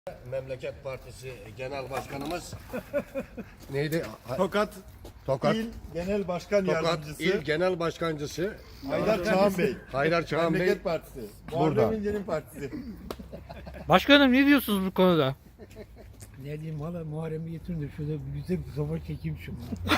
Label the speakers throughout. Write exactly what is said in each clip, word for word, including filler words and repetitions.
Speaker 1: Memleket Partisi Genel Başkanımız neydi?
Speaker 2: Tokat,
Speaker 1: Tokat
Speaker 2: İl Genel Başkan
Speaker 1: Tokat
Speaker 2: Yardımcısı
Speaker 1: İl Genel Başkancısı
Speaker 2: Haydar Çağan Bey.
Speaker 1: Haydar Çağan Bey.
Speaker 2: Memleket Partisi.
Speaker 1: Burada.
Speaker 2: Muharrem İnce'nin partisi.
Speaker 3: Başkanım ne diyorsunuz bu konuda?
Speaker 4: Ne diyeyim valla Muharrem'i getirin de şurada bir güzel bir soba çekeyim şunu.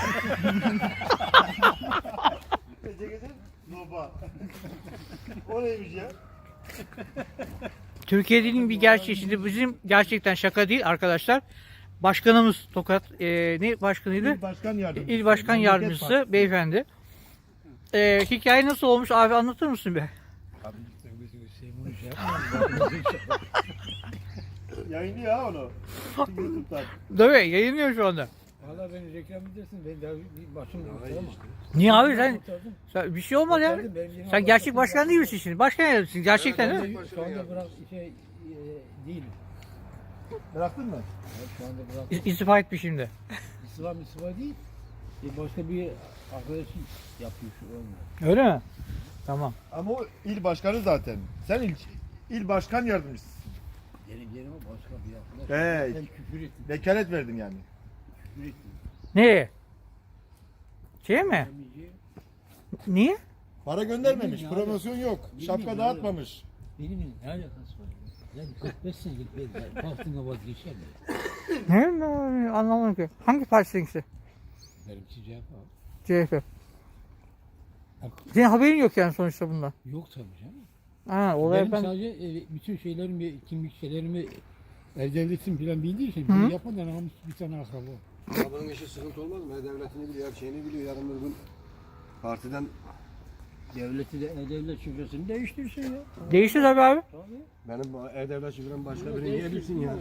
Speaker 2: Gece gece Noba. O neymiş ya?
Speaker 3: Türkiye'nin bir gerçeği, şimdi bizim gerçekten şaka değil arkadaşlar. Başkanımız Tokat, e, ne başkanıydı?
Speaker 2: İl Başkan Yardımcısı.
Speaker 3: İl Başkan
Speaker 2: Memleket
Speaker 3: Yardımcısı
Speaker 2: Partisi.
Speaker 3: beyefendi. E, hikaye nasıl olmuş abi, anlatır mısın be?
Speaker 4: Abi sen bunu şey yapma.
Speaker 2: Yayınlıyor ha onu. YouTube'dan.
Speaker 3: Değil mi? Yayınlıyor şu anda.
Speaker 4: Valla beni reklam edersin. Ben daha bir başım kurtaramam.
Speaker 3: Niye abi sen,
Speaker 4: Kurtardım.
Speaker 3: sen bir şey olmaz ya.
Speaker 4: Kurtardım, benim yerim
Speaker 3: Sen
Speaker 4: Allah
Speaker 3: gerçek
Speaker 4: korusun.
Speaker 3: başkan değil misin şimdi? Başkan yardımcısın gerçekten
Speaker 1: Evet,
Speaker 3: değil mi?
Speaker 4: Şu anda bırak şey e, değilim.
Speaker 2: Bıraktın mı?
Speaker 4: Ya şu anda bırak.
Speaker 3: İ- İstifa etmiş şimdi.
Speaker 4: İslam İslam değil. E, başka bir arkadaşım yapıyor şu anda.
Speaker 3: Öyle mi? Tamam.
Speaker 2: Ama o il başkanı zaten. Sen il, il başkan yardımcısısın.
Speaker 4: Benim yerime başka bir arkadaş.
Speaker 2: He,
Speaker 4: Ben küfür ettim.
Speaker 2: vekalet verdin yani.
Speaker 4: Küfür ettim.
Speaker 3: Ne? Şey mi?
Speaker 4: Demeyeceğim.
Speaker 3: Niye?
Speaker 2: Para göndermemiş,
Speaker 4: Bilmiyorum ya.
Speaker 2: promosyon yok,
Speaker 4: Bilmiyorum
Speaker 2: şapka
Speaker 4: ya.
Speaker 2: dağıtmamış.
Speaker 4: Benim ne alakası var? Ya kırk beş senelik ben baktığına vazgeçer mi?
Speaker 3: Ne? ne- Anlamadım ki. Hangi partisin işte?
Speaker 4: Benim cevap var.
Speaker 3: C H P. Senin haberin yok yani sonuçta bundan.
Speaker 4: Yok tabii canım.
Speaker 3: Ha, olay
Speaker 4: Benim
Speaker 3: ben...
Speaker 4: sadece e, bütün şeylerimi, kimlik şeylerimi el devletim falan bildiği için
Speaker 3: Hı.
Speaker 4: bunu yapmadan almış bir tane akraba.
Speaker 1: Ama bunun işi sıkıntı olmaz mı? E-Devletini biliyor, her şeyini biliyor. Yarın bir gün partiden
Speaker 4: Devleti de e-devlet şifresini değiştirsin ya.
Speaker 3: Değişti tabii abi.
Speaker 4: Tabii.
Speaker 1: benim bu E-Devlet şifrem başka biri niye bilsin ya?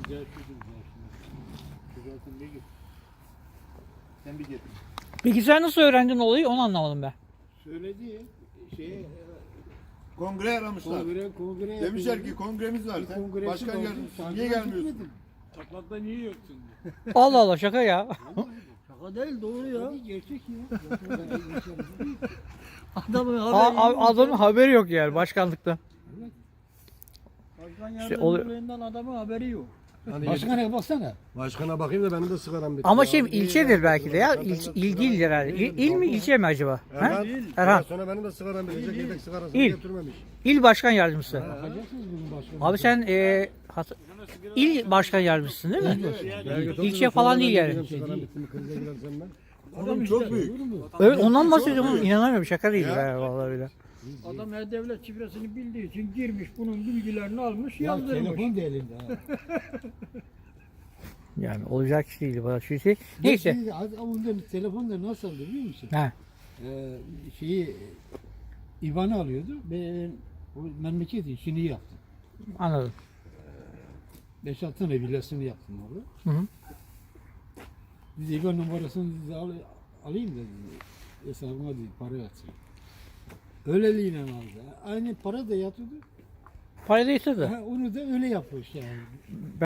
Speaker 2: Sen bir git.
Speaker 3: Peki sen nasıl öğrendin olayı, onu anlamadım ben.
Speaker 4: Söyledi şey
Speaker 2: Kongre aramışlar.
Speaker 4: kongre kongre
Speaker 2: Demişler ki kongremiz var. Sen
Speaker 4: kongresi
Speaker 2: başkan
Speaker 4: vardı,
Speaker 2: yardımcısı
Speaker 4: takip
Speaker 2: niye gelmiyorsun?
Speaker 4: etmedim. Çatlakta niye yoksun?
Speaker 3: Allah Allah, şaka ya.
Speaker 4: Şaka değil doğru ya. Gerçek ya. Adamın
Speaker 3: A- a- adamın haberi yok yani başkanlıkta.
Speaker 4: Başkan
Speaker 3: İşte oluyor.
Speaker 4: yardımcılığından adamın haberi yok.
Speaker 1: Hadi
Speaker 4: Başkana baksana.
Speaker 1: Başkana bakayım da benim de sigaram bitti.
Speaker 3: Ama
Speaker 1: ya.
Speaker 3: şey ilçedir belki de ya. İl, il değildir herhalde. İl, il mi ilçe mi acaba? Ha?
Speaker 1: Erhan,
Speaker 3: Erhan.
Speaker 1: biraz sonra benim de sigaram bitecek. Yedek sigarasını
Speaker 3: İl.
Speaker 1: götürmemiş.
Speaker 3: İl başkan yardımcısı.
Speaker 4: Bakacaksınız bugün başkanı.
Speaker 3: Abi sen e, hat- il başkan yardımcısın değil mi?
Speaker 1: Belki
Speaker 3: İlçe
Speaker 1: sonra
Speaker 3: falan
Speaker 1: ben
Speaker 3: değil
Speaker 1: gideceğim,
Speaker 3: yani.
Speaker 1: Sigaram bitti mi krize girersem ben.
Speaker 2: Oğlum çok büyük.
Speaker 3: Evet, ondan bahsediyorum. İnanamıyorum, şaka değil ya vallahi bile.
Speaker 4: Adam e-devlet şifresini bildiği için girmiş bunun bilgilerini almış
Speaker 5: Ya
Speaker 4: yazdırmış.
Speaker 5: telefon da elinde ha.
Speaker 3: Yani olacak iş değil bu şu şey. Neyse.
Speaker 5: Neyse. Ondan telefonda nasıl aldı biliyor musun?
Speaker 3: Ha.
Speaker 5: Ee, şeyi İvan'ı alıyordu. Ben o memleket işini yaptım.
Speaker 3: Anladım.
Speaker 5: beş altı tane villasını yaptım orada.
Speaker 3: Hı hı.
Speaker 5: Biz İvan numarasını size al, alayım dedim. Hesabıma değil, para yatsın. Öyleliğine aldı. Aynı para da yatıyordu.
Speaker 3: Parayı da istedi.
Speaker 5: Ha, onu da öyle yapmış yani.